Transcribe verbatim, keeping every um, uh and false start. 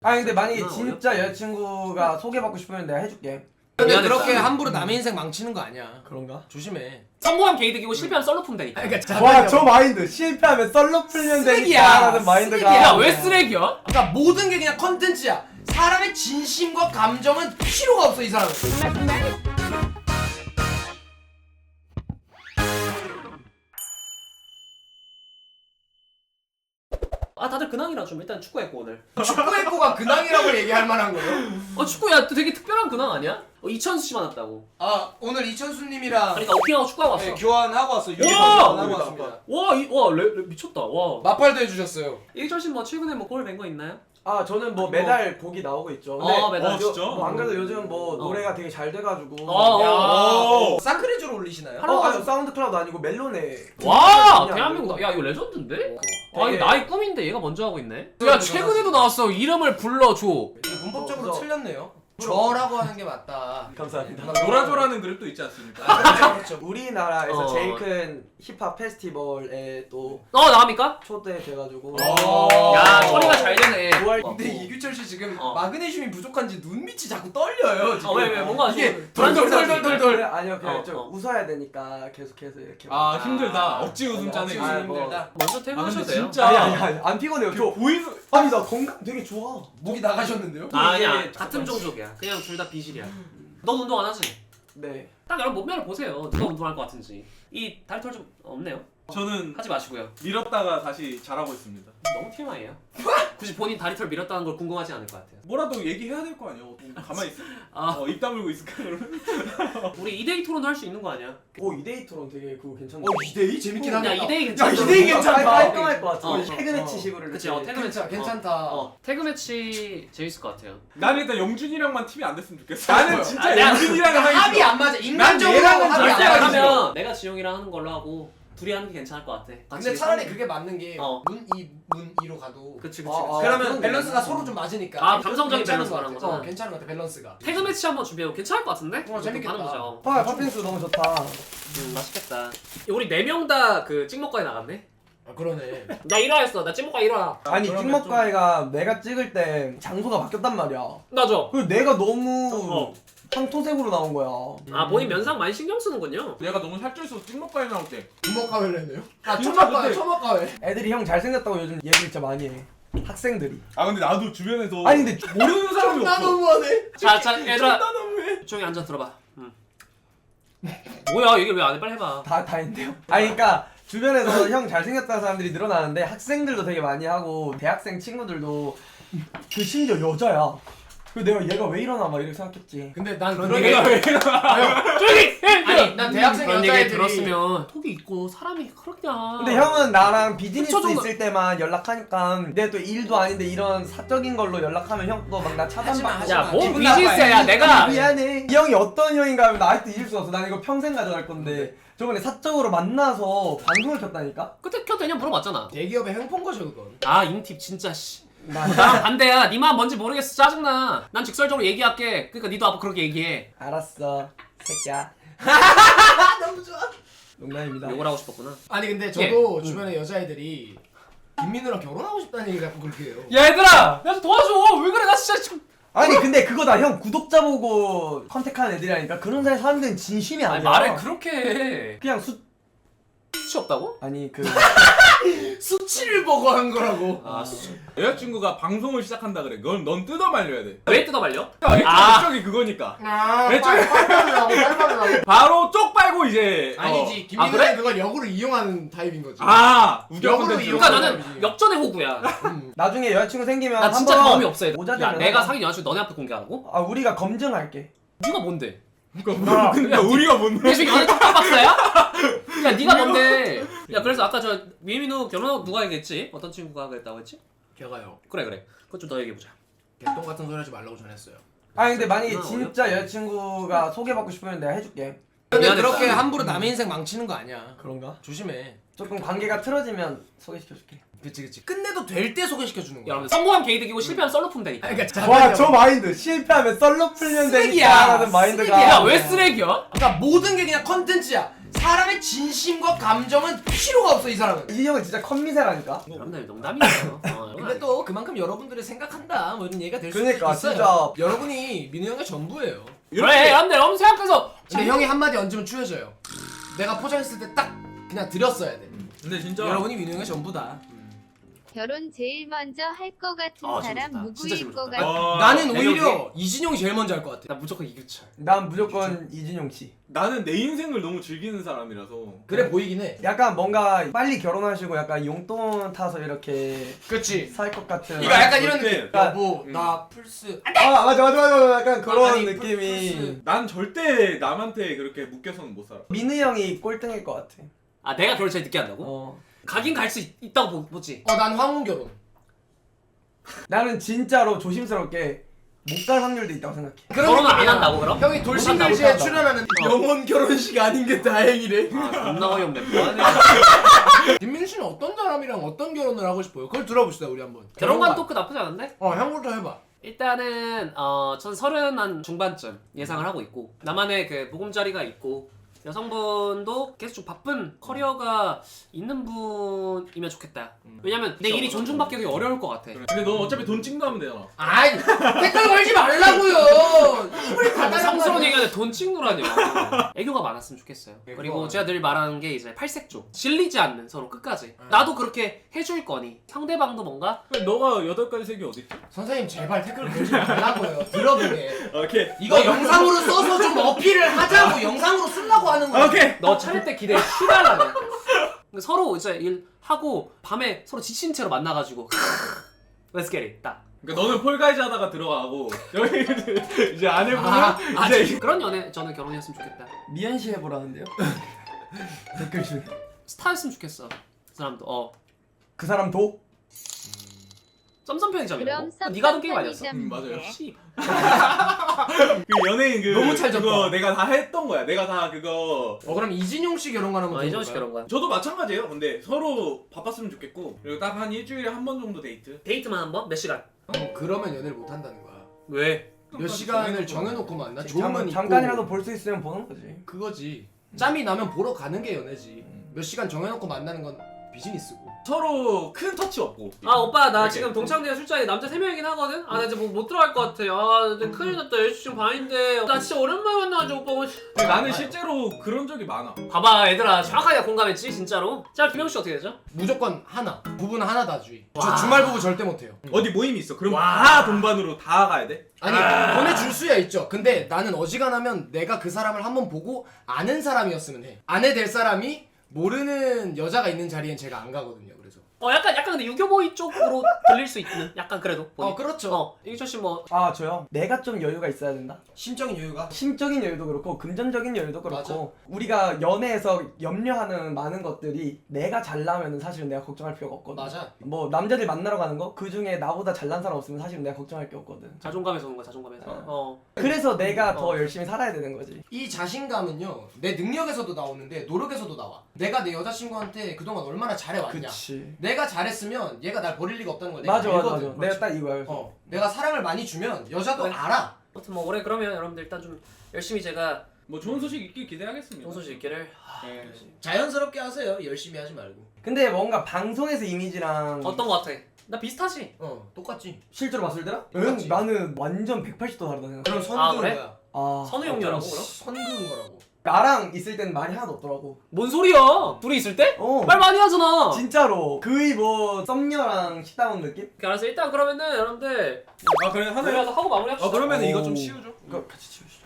아니 근데 만약에 진짜 여자친구가 소개받고 싶으면 내가 해줄게. 근데 그렇게 함부로 남의 인생 망치는 거 아니야. 그런가? 조심해. 성공하면 게이득이고 실패하면 썰로 풀면 되니까. 그러니까 와 저 마인드 쓰레기하면 썰로 풀면 되니까 라는 마인드가 야 왜 쓰레기야? 그러니까 모든 게 그냥 컨텐츠야. 사람의 진심과 감정은 필요가 없어 이 사람은. 아 다들 근황이라 좀 일단 축구했고 오늘. 축구했고가 근황이라고 얘기할 만한 거예요? 어 축구야 되게 특별한 근황 아니야? 어, 이천수 씨 만났다고. 아 오늘 이천수님이랑 그러니까 오킹하고 축구하고 왔어. 네, 교환하고 왔어. 유니폼 와! 교환하고 왔습니다. 와, 이, 와, 레, 레, 미쳤다. 와. 마팔도 해주셨어요. 일철 씨뭐 최근에 뭐 골 낸 거 있나요? 아 저는 뭐 매달 곡이 나오고 있죠. 근데 어, 매달. 요- 어, 진짜? 뭐 안 그래도 요즘 뭐 어. 노래가 되게 잘 돼가지고. 어, 야, 어, 어. 사크레즈로 올리시나요? 어, 아니 사운드 클라우드 아니고 멜론에. 와, 그냥 대한민국 아니고. 나, 야 이거 레전드인데? 되게- 아 이거 나의 꿈인데 얘가 먼저 하고 있네. 그래, 야 최근에도 나왔어. 이름을 불러줘. 문법적으로 어, 틀렸네요. 저라고 하는 게 맞다. 감사합니다. 노라조라는 그룹도 있지 않습니까? 그렇죠, 그렇죠. 우리나라에서 어. 제일 큰 힙합 페스티벌에 또 어 나갑니까? 초대돼가지고. 어. 야 처리가 잘 되네. 구월- 근데 이규철 씨 지금 어. 마그네슘이 부족한지 눈밑이 자꾸 떨려요. 지금. 어 왜 왜 뭔가 이게 좀 돌돌돌돌돌. 그래, 아니요 그냥 어, 좀 어. 웃어야 되니까 계속해서 이렇게. 아 아. 힘들다. 억지 웃음 억지 짜네. 웃음 아, 뭐. 힘들다. 먼저 아 근데 퇴근하셔도 돼요. 진짜 아니 아니 아니 안 피곤해요. 저 보이는 아니 나 건강 되게 좋아. 목이 나가셨는데요? 아니야 이게 같은 종족이야. 그냥 둘 다 비실이야. 너 운동 안 하지? 네. 딱 여러분 몸매를 보세요. 누가 운동할 것 같은지. 이 다리털 좀 없네요. 저는 하지 마시고요. 밀었다가 다시 잘하고 있습니다. 너무 티엠아이예요. 굳이 본인 다리털 밀었다는 걸 궁금하지 않을 것 같아요. 뭐라도 얘기해야 될 거 아니야. 가만히 있어. 아 어, 입 다물고 있을까 그러면? 우리 이 대 이 토론 할 수 있는 거 아니야? 오 이데이 토론 되게 그거 괜찮네. 어 이대이 재밌긴 야 하겠다. 이 대 이 야 괜찮아. 이데이 괜찮다. 깔끔할 것 같아. 어, 어, 태그 매치 식으로. 그치, 이렇게. 어, 태그 매치. 괜찮 괜찮다. 어 태그 매치 재밌을 것 같아요. 나는 일단 영준이랑만 팀이 안 됐으면 좋겠어. 나는 나는 진짜 진짜 내가- 영준이랑 하기 합이 싫어. 안 맞아. 인간적으로 얘랑은 합이 안 절대 절대 안 맞아. 하면 내가 지용이랑 하는 걸로 하고 둘이 하는 게 괜찮을 것 같아. 근데 같이 차라리 상- 그게 맞는 게 어. 문이 문이로 가도. 그치 그치. 아, 아, 그러면 그건 밸런스가 괜찮아. 서로 좀 맞으니까. 아, 감성적인 괜찮은 밸런스 것 말하는 같아. 거잖아. 어, 괜찮은 것 같아 밸런스가. 태그 매치 한번 준비해보. 괜찮을 것 같은데? 어, 재밌겠다. 하는 거죠. 아 팥빙수 너무 좋다. 음 맛있겠다. 우리 네 명 다 그 찍먹과에 나갔네. 아 그러네. 나 일 화 했어. 나 찍먹과 일 화. 아니 그러면 찍먹가이가 내가 찍을 때 장소가 바뀌었단 말이야. 나죠. 그리고 내가 너무 어. 황토색으로 나온 거야. 아 본인 면상 많이 신경 쓰는군요. 내가 너무 살쪄 있어서 찍먹까지 나올 때 주먹가회를 했네요. 아 진짜 초막가회 그때- 초막가회. 애들이 형 잘생겼다고 요즘 얘기 진짜 많이 해. 학생들이. 아 근데 나도 주변에서 아니 근데 모르는 사람이 나 없어. 너무하네. 자, 자, 얘들아, 나 너무해. 조용히 앉아 들어봐. 응. 뭐야, 얘기 왜 안 해? 빨리 해봐. 다 다인데요. 아니 그러니까 주변에서 형 잘생겼다는 사람들이 늘어나는데 학생들도 되게 많이 하고 대학생 친구들도 그 심지어 여자야. 그 내가 얘가 왜 이러나 막 이렇게 생각했지. 근데 난 그런 그런 얘기- 얘기. 조용히 해! 아니 난 대학생 그런 얘기 여자애들이 들었으면 톡이 있고 사람이 그렇냐. 근데 형은 나랑 비즈니스 그쵸, 정도- 있을 때만 연락하니까 내 또 일도 아닌데 이런 사적인 걸로 연락하면 형 또 막 나 하지마, 차단받고 하지마. 야, 뭔 기분 비즈니스야, 나빠요. 내가. 미안해. 이 형이 어떤 형인가 하면 나 아직도 잊을 수 없어. 난 이거 평생 가져갈 건데 저번에 사적으로 만나서 방송을 켰다니까? 그때 켜도 되냐 물어봤잖아. 대기업의 행폰 거죠 그건. 아, 인팁 진짜 씨. 나 나랑 반대야. 니 마음 뭔지 모르겠어. 짜증나. 난 직설적으로 얘기할게. 그러니까 니도 앞으로 그렇게 얘기해. 알았어 새끼야. 아 너무 좋아. 농담입니다. 욕을 하고 싶었구나. 아니 근데 저도 주변에 여자애들이 김민우랑 결혼하고 싶다는 얘기를 자꾸 그렇게 해요. 야, 얘들아! 나 좀 도와줘! 왜 그래? 나 진짜 지금. 아니 근데 그거다 형 구독자 보고 컨택하는 애들이라니까 그런 사람 사람들은 진심이 아니야. 아니, 말을 그렇게 해. 그냥 수 수치 없다고? 아니 그 수치를 보고 한 거라고. 아, 수치. 여자친구가 방송을 시작한다 그래. 넌, 넌 뜯어 말려야 돼. 왜 뜯어 말려? 아. 아. 쪽이 그거니까. 아 내 빨리 빨리하고 빨리하고. 바로 쪽 빨고 이제. 아니지 어. 김민우는 그래? 그걸 역으로 이용하는 타입인 거지. 아 우겨 역으로 콘텐츠. 그러니까 이용하는 나는 사람이지. 역전의 호구야. 음. 나중에 여자친구 생기면 나 진짜 한번 경험이 없어. 오자 야, 되면 내가 하자. 사귄 여자친구 너네 앞에 공개하라고? 아 우리가 검증할게. 네가 뭔데? 그러니까 근데 우리가 뭔데? 내 지금 연애 톡톡 박사야? 야, 네가 뭔데? 야, 그래서 아까 저 미민우 결혼하고 누가 얘기했지? 어떤 친구가 그랬다고 했지? 걔가요. 그래 그래. 그것 좀 더 얘기해 보자. 개똥 같은 소리 하지 말라고 전했어요. 아니 근데 만약에 아, 진짜 여자친구가 소개받고 싶으면 내가 해줄게. 근데 미안했다. 그렇게 함부로 남의 인생 망치는 거 아니야. 그런가? 조심해. 조금 관계가 틀어지면 소개시켜줄게. 그치 그치. 끝내도 될 때 소개시켜 주는 거야. 여러분 성공하면 게이득이고 실패하면 썰로 풀면 되니까. 그러니까 와 저 마인드 실패하면 썰로 풀면 쓰레기야. 되니까 라는 마인드가. 쓰레기야. 야, 왜 쓰레기야? 그러니까 모든 게 그냥 컨텐츠야. 사람의 진심과 감정은 필요가 없어 이 사람은. 이 형은 진짜 컴미세라니까. 여러분들 농담이에요. 어, 근데 또 그만큼 여러분들의 생각한다 뭐 이런 얘기가 될 수도 그러니까, 있어요. 진짜. 여러분이 민우 형의 전부예요. 그래 여러분들 너무 생각해서 근데 형이 한마디 얹으면 추해져요. 내가 포장했을 때 딱 그냥 드렸어야 돼. 근데 진짜 여러분이 민우 형의 전부다. 결혼 제일 먼저 할 것 같은 아, 사람 재밌다. 진짜 누구일 것 재밌다. 같아? 와, 나는 내가 오히려 이진용이 제일 먼저 할 것 같아. 나 무조건 이규철. 난 무조건 이진용 씨. 나는 내 인생을 너무 즐기는 사람이라서. 그래 보이긴 해. 약간 뭔가 빨리 결혼하시고 약간 용돈 타서 이렇게 그렇지. 살 것 같은. 이거 약간 이런 그렇게. 느낌. 여보 음. 나 플스. 아 맞아 맞아 맞아 약간 그런 아니, 느낌이. 플스. 난 절대 남한테 그렇게 묶여서는 못 살아. 민우 형이 꼴등일 것 같아. 아 내가 결혼 제일 늦게 한다고? 어. 가긴 갈 수 있다고 보, 보지. 어난 황혼 결혼. 나는 진짜로 조심스럽게 못 갈 확률도 있다고 생각해. 결혼은 안 느낌이야. 한다고 그럼? 형이 못 돌싱글즈에 한다고? 출연하는 영혼 결혼식 아닌 게 다행이래. 아 존나 어이없네. 뭐하냐. 김민우 씨는 어떤 사람이랑 어떤 결혼을 하고 싶어요? 그걸 들어봅시다 우리 한번. 결혼관 토크 나쁘지 않은데? 어 형부터 해봐. 일단은 어, 전 서른 한 중반쯤 예상을 하고 있고 나만의 그 보금자리가 있고 여성분도 계속 좀 바쁜 커리어가 있는 분이면 좋겠다. 왜냐면 내 일이 존중받기 되게 어려울 것 같아. 그래. 근데 넌 어차피 돈 찍도 하면 되잖아. 아이 댓글 걸지 말라고요. 이불이 다 상스러운 얘기하는데 돈 찍누라뇨. 애교가 많았으면 좋겠어요. 애교가 그리고 많아요. 제가 늘 말하는 게 이제 팔색조. 질리지 않는 서로 끝까지. 나도 그렇게 해줄 거니 상대방도 뭔가 그래, 너가 여덟 가지 색이 어디 있지? 선생님 제발 댓글 걸지 말라고요. 들어보게. 오케이. 이거 영상으로 써서 좀 어필을 하자고 영상으로 쓰려고 하는 거야. 오케이. 너 차릴 때 기대 시달라네. 서로 이제 일하고 밤에 서로 지친 채로 만나가지고 Let's get it 딱. 그러니까 너는 폴가이즈 하다가 들어가고 여기 이제 아내분은 아, 아, 이제 그런 연애 저는 결혼했으면 좋겠다. 미연 씨 해보라는데요? 댓글 중에. 스타였으면 좋겠어. 그 사람도 어 그 사람도? 썸썸 편의점이라고? 그럼 그거 네가 하던 게임 아니었어? 음, 맞아요. 씨. 그 연예인 그 너무 잘 졌다. 그거 내가 다 했던 거야. 내가 다 그거 어 그럼 이진용 씨 결혼관 한번 아 이정식 들어볼까요? 결혼관. 저도 마찬가지예요. 근데 서로 바빴으면 좋겠고 그리고 딱 한 일주일에 한 번 정도 데이트. 데이트만 한 번? 몇 시간? 어, 그러면 연애를 못 한다는 거야. 왜? 몇 시간을 정해놓고 만나? 좋으면 잠, 있고 잠깐이라도 볼 수 있으면 보는 거지. 그거지. 짬이 나면 보러 가는 게 연애지. 몇 시간 정해놓고 만나는 건 비즈니스고. 서로 큰 터치 없고. 아 오빠 나 이렇게. 지금 동창회 술자리 남자 세 명이긴 하거든? 아 나 이제 뭐 못 들어갈 것 같아. 아 근데 큰일 났다. 열두 시 반인데 나 진짜 오랜만에 만나가지고 오빠 오늘 근데 나는 실제로 그런 적이 많아. 봐봐 얘들아 정확하게 공감했지 진짜로? 자 김영씨 어떻게 되죠? 무조건 하나. 부부는 하나다주의. 저 와. 주말 부부 절대 못해요. 어디 모임이 있어. 그럼 와. 다 동반으로 다 가야 돼? 아니 보내줄 수야 있죠. 근데 나는 어지간하면 내가 그 사람을 한번 보고 아는 사람이었으면 해. 아내 될 사람이 모르는 여자가 있는 자리엔 제가 안 가거든요. 그래서. 어 약간 약간 근데 유교보이 쪽으로 들릴 수 있는 약간 그래도 보니. 어 그렇죠. 어 이규철 씨뭐 아 저요? 내가 좀 여유가 있어야 된다. 심적인 여유가. 심적인 여유도 그렇고 금전적인 여유도 그렇고 우리가 연애에서 염려하는 많은 것들이 내가 잘나면은 사실은 내가 걱정할 필요가 없거든. 맞아. 뭐 남자들 만나러 가는 거 그 중에 나보다 잘난 사람 없으면 사실은 내가 걱정할 게 없거든. 자존감에서 오는 거야 자존감에서. 어. 어. 그래서 내가 더 어. 열심히 살아야 되는 거지. 이 자신감은요 내 능력에서도 나오는데 노력에서도 나와. 내가 내 여자친구한테 그동안 얼마나 잘해왔냐. 그치. 내가 잘했으면 얘가 날 버릴 리가 없다는 걸 내가 맞아 맞아 맞아. 알거든. 내가 딱 이거야. 그래서. 어, 내가 사랑을 많이 주면 여자도 네. 알아. 아무튼 뭐 올해 그러면 여러분들 일단 좀 열심히 제가 뭐 좋은 소식 있길 기대하겠습니다. 좋은 소식 있기를. 하, 네. 자연스럽게 하세요. 열심히 하지 말고. 근데 뭔가 방송에서 이미지랑 어떤 거 같아? 나 비슷하지? 어, 똑같지. 실제로 봤을 때랑? 똑같지. 응, 나는 완전 백팔십 도 다르다 생각해. 그럼 선그은 아, 그래? 거야. 아, 선우 형녀라고 그럼? 선그은 거라고. 나랑 있을 때는 말이 하나도 없더라고. 뭔 소리야? 둘이 있을 때? 어. 말 많이 하잖아. 진짜로 거의 뭐 썸녀랑 식당 느낌? 오케이, 알았어 일단 그러면은 여러분들 아 그래 하나. 내려가서 하고 마무리합시다. 아 그러면 오. 이거 좀 씌우죠. 이거 같이 치우시.